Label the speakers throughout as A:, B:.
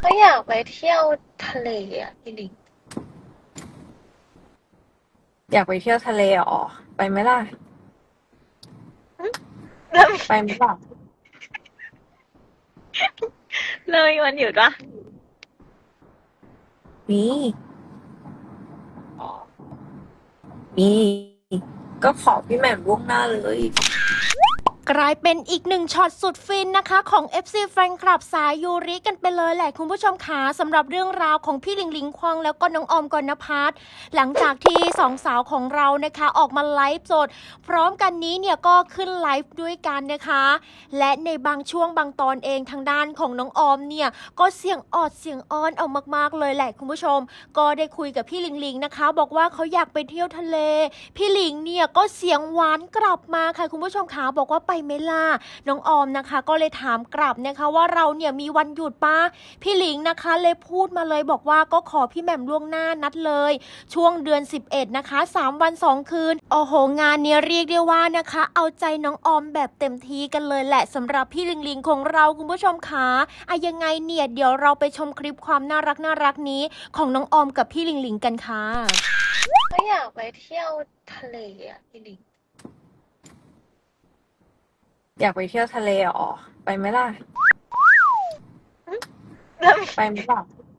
A: ก็อยากไปเที่ยวทะเลอ่ะพี่ลิง
B: อยากไปเที่ยวทะเลอ๋อไปไหมล่ะ
A: แล้ว
B: ไปไหมล่ะ
A: เลยวันหยุดวะ
B: มี
A: อ๋อ
B: มีก็ขอพี่แหม่มล่วงหน้าเลย
C: กลายเป็นอีกหนึ่งช็อตสุดฟินนะคะของ FC แฟนคลับสายยูริกันไปเลยแหละคุณผู้ชมคะสำหรับเรื่องราวของพี่หลิงหลิงควงแล้วก็น้องออมกนภัทรหลังจากที่สองสาวของเรานะคะออกมาไลฟ์สดพร้อมกันนี้เนี่ยก็ขึ้นไลฟ์ด้วยกันนะคะและในบางช่วงบางตอนเองทางด้านของน้องออมเนี่ยก็เสียงออดเสียงอ้อนเอามากๆเลยแหละคุณผู้ชมก็ได้คุยกับพี่หลิงหลิงนะคะบอกว่าเขาอยากไปเที่ยวทะเลพี่หลิงเนี่ยก็เสียงหวานกลับมาค่ะคุณผู้ชมคะบอกว่าไปไหมล่ะน้องออมนะคะก็เลยถามกลับนะคะว่าเราเนี่ยมีวันหยุดป้าพี่หลิงนะคะเลยพูดมาเลยบอกว่าก็ขอพี่แหม่มล่วงหน้านัดเลยช่วงเดือน11นะคะ3วัน2คืนโอ้โหงานเนี้ยเรียกได้ว่านะคะเอาใจน้องออมแบบเต็มที่กันเลยแหละสำหรับพี่หลิงหลิงของเราคุณผู้ชมคะยังไงเนี่ยเดี๋ยวเราไปชมคลิปความน่ารักนี้ของน้องออมกับพี่หลิงหลิงกันค่ะ
A: ก็อยากไปเที่ยวทะเลอ่ะพี่ลิง
B: อยากไปเที่ยวทะเลอ๋อไปไหมล่ะ
A: แล้ว
B: ไปไหมล่ะ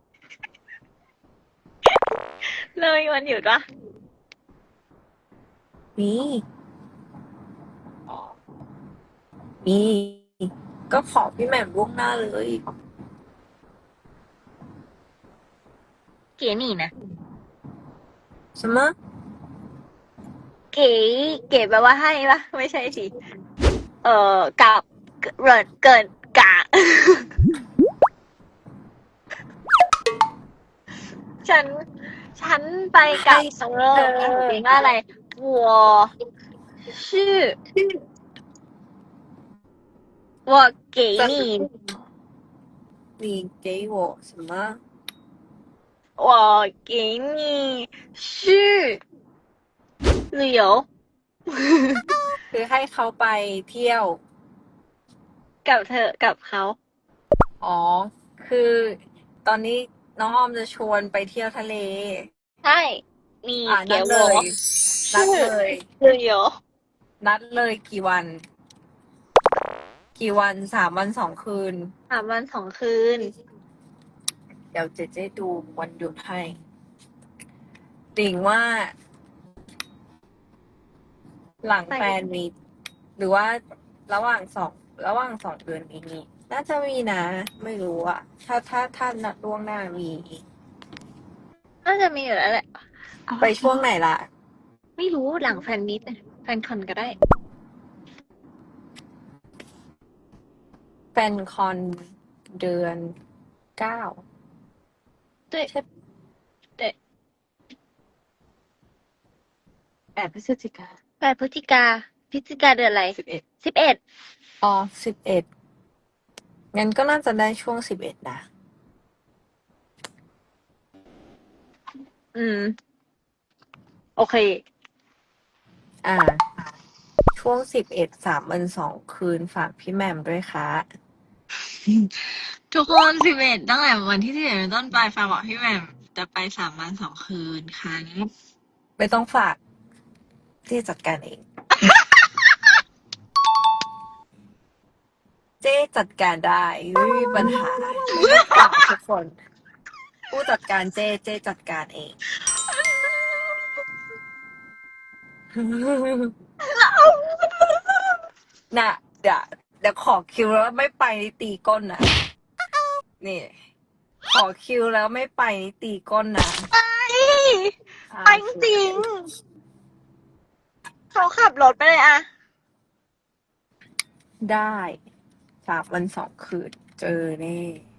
A: เลยวันหยุดวะ
B: มี
A: อ๋อ
B: มีก็ขอพี่แหม่มล่วงหน้าเลย
A: เก๋นี่นะ
B: ใช่ไหม
A: เก๋เก๋แปลว่าให้ปะไม่ใช่สิกับเกินกะฉันฉันไป
B: ให้
A: กับ
B: เธอ
A: เพลงว่าอะไร我是我给
B: จะ
A: 你
B: 你给我什么
A: 我给你去旅游
B: คือให้เขาไปเที่ยว
A: กับเธอกับเขา
B: อ๋อคือตอนนี้น้องออมจะชวนไปเที่ยวทะเล
A: ใช่你给
B: นัดเล
A: 我
B: ยนัดเล
A: 去
B: ย
A: 旅游
B: นัดเลยกี่วันกี่วัน3 วัน 2 คืน
A: 3 วัน 2 คืน
B: เดี๋ยวเจเจดูวันหยุดให้ติ่งว่าหลัง
A: ไป
B: แฟนมีหรือว่าระหว่างสองเดือนนี้มีน่าจะมีนะ ไม่รู้อะถ้านัดล่วงหน้ามี
A: น่าจะมีอยู่แล้วแหละ
B: ไปช่วงไหนล่ะ
A: ไม่รู้หลังแฟนมิตแฟนคอนก็ได้
B: แฟนคอนเดือน 9
A: 对
B: ใช่
A: 对
B: 8 พฤศจิกา
A: 8 พฤศจิกาเดือนอะไร
B: 11
A: 11
B: อ๋อ11งั้นก็น่าจะได้ช่วง11นะ
A: อืมโอเค
B: อ่าช่วง113 วัน 2 คืนฝากพี่แหม่มด้วยค่ะ
D: ทุกคน11ตั้งแต่วันที่11เป็นต้นไปฟ้าบอกพี่แหม่มจะไป3 วัน 2 คืนครับ
B: ไม่ต้องฝากที่จัดการเอง เจ๊จัดการได้ไม่มีปัญหาไม่ต้องฝากทุกคน ผู้จัดการเจ๊จัดการเอง น่ะเดี๋ยวขอคิวแล้วไม่ไปนี่ตีก้นนะนี่ขอคิวแล้วไม่ไปนี่ตีก้นนะ
A: ไปจริงเขาขับรถไปเลยอะ
B: ได้3 วัน 2 คืนเจอแน่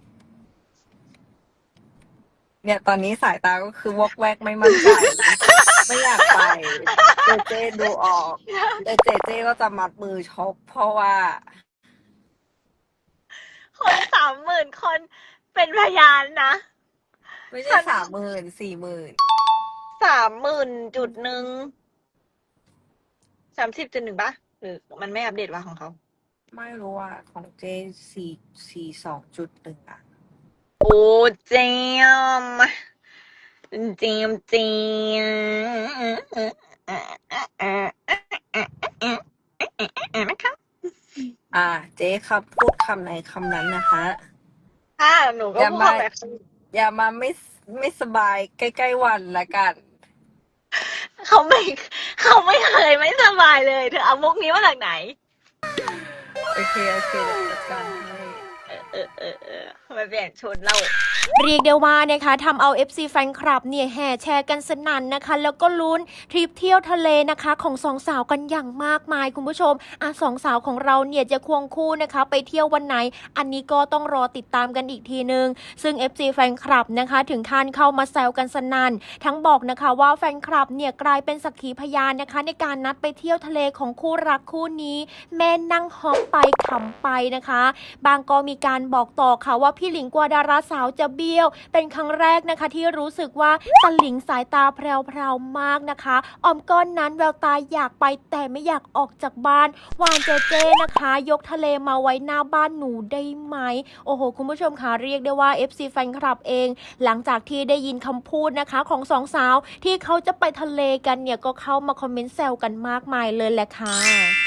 B: เนี่ยตอนนี้สายตาก็คือวอกแวกไม่มั่นใจไม่อยากไปเจดูออกแต่เจก็จะมัดมือชกเพราะว่า
A: คน30,000 คนเป็นพยานนะ
B: ไม่ใช่30,000 40,000
A: 30,000.130.1ปะหรือมันไม่อัปเดตวะของเขา
B: ไม่รู้อ่ะของเจ42.1อ่ะ
A: โอ้เจมเจมเจมนะคะ
B: เจ๊ครับพูดคำไหนคำนั้นนะคะ
A: ค่ะหนูก็
B: อย่า
A: พูด
B: มา
A: แบบ
B: อย่ามาไม่สบายใกล้ๆวันละกัน
A: เขาไม่เคยไม่สบายเลยเธอเอามุกนี้มาจากไหน
B: โอเคเดี๋ยวจัดการให้
A: มาเปลี่ยนชุดเรา
C: เรียกได้ว่านะคะทำเอา FC แฟนคลับเนี่ยแห่แชร์กันสนั่นนะคะ แล้วก็ลุ้นทริปเที่ยวทะเลนะคะของสองสาวกันอย่างมากมายคุณผู้ชมสองสาวของเราเนี่ยจะควงคู่นะคะไปเที่ยววันไหน อันนี้ก็ต้องรอติดตามกันอีกทีนึง ซึ่ง FC แฟนคลับนะคะถึงขั้นเข้ามาแซวกันสนั่นทั้งบอกนะคะว่าแฟนคลับเนี่ยกลายเป็นสักขีพยานนะคะในการนัดไปเที่ยวทะเลของคู่รักคู่นี้แม่นั่งฮอปไปขำไปนะคะ บางก็มีการบอกต่อค่ะว่าพี่หลิงกว่าดาราสาวจะเบี้ยวเป็นครั้งแรกนะคะที่รู้สึกว่าตะหลิงสายตาแพรวๆมากนะคะออมก้อนนั้นแววตาอยากไปแต่ไม่อยากออกจากบ้านวานเจเจนะคะ ยกทะเลมาไว้หน้าบ้านหนูได้ไหมโอ้โหคุณผู้ชมค่ะเรียกได้ว่า FC แฟนคลับเองหลังจากที่ได้ยินคำพูดนะคะของสองสาวที่เขาจะไปทะเลกันเนี่ยก็เข้ามาคอมเมนต์แซวกันมากมายเลยแหละค่ะ